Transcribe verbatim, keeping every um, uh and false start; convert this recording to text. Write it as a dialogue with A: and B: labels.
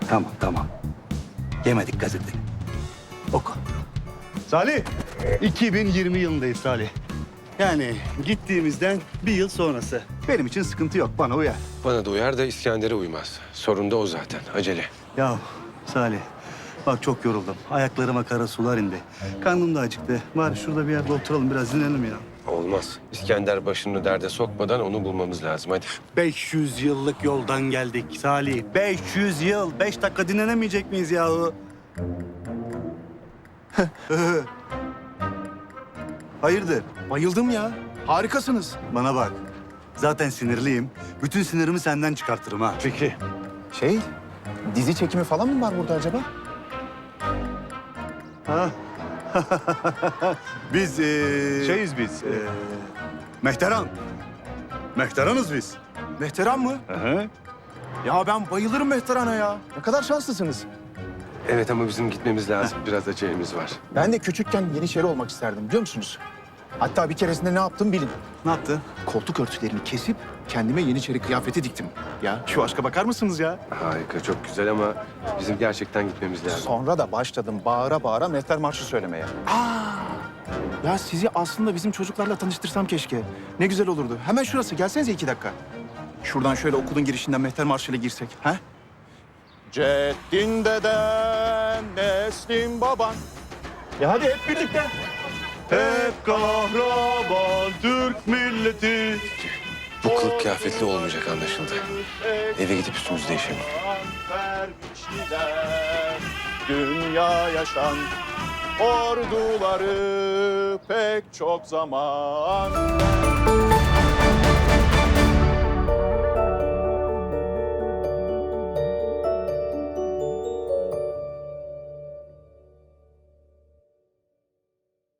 A: Tamam, tamam. Yemedik gazeteni. Oku. Salih, iki bin yirmi yılındayız Salih. Yani gittiğimizden bir yıl sonrası. Benim için sıkıntı yok, bana uyar.
B: Bana da uyar da İskender'e uymaz. Sorun da o zaten. Acele.
A: Ya Salih, bak çok yoruldum. Ayaklarıma kara sular indi. Karnım da acıktı. Bari şurada bir yerde oturalım, biraz dinlenelim ya.
B: Olmaz. İskender başını derde sokmadan onu bulmamız lazım. Hadi.
A: beş yüz yıllık yoldan geldik Salih. beş yüz yıl. Beş dakika dinlenemeyecek miyiz yahu? Hayırdır?
C: Bayıldım ya. Harikasınız.
A: Bana bak. Zaten sinirliyim. Bütün sinirimi senden çıkartırım ha.
C: Fikri. Şey, dizi çekimi falan mı var burada acaba?
A: Ha? biz ee...
C: Şeyiz biz.
A: ee, Mehteran. Mehteranız biz.
C: Mehteran mı?
A: Hı.
C: Ya ben bayılırım Mehteran'a ya. Ne kadar şanslısınız.
B: Evet ama bizim gitmemiz lazım. Biraz acelemiz var.
C: Ben de küçükken Yeniçeri olmak isterdim biliyor musunuz? Hatta bir keresinde ne yaptım bilin.
A: Ne yaptın?
C: Koltuk örtülerini kesip kendime Yeniçeri kıyafeti diktim. Ya şu aşka bakar mısınız ya?
B: Harika, çok güzel ama bizim gerçekten gitmemiz lazım.
C: Sonra da başladım bağıra bağıra Mehter Marşı söylemeye. Aa! Ya sizi aslında bizim çocuklarla tanıştırsam keşke. Ne güzel olurdu. Hemen şurası. Gelsenize iki dakika. Şuradan şöyle okulun girişinden Mehter Marşı ile girsek. Ha? Ceddin deden, neslin baban. Ya hadi hep birlikte.
A: Hep kahraman Türk milleti.
B: Bu kılık kıyafetli olmayacak anlaşıldı. Eve gidip üstümüzü değişelim.
C: Vermişler dünya yaşan orduları pek çok zaman.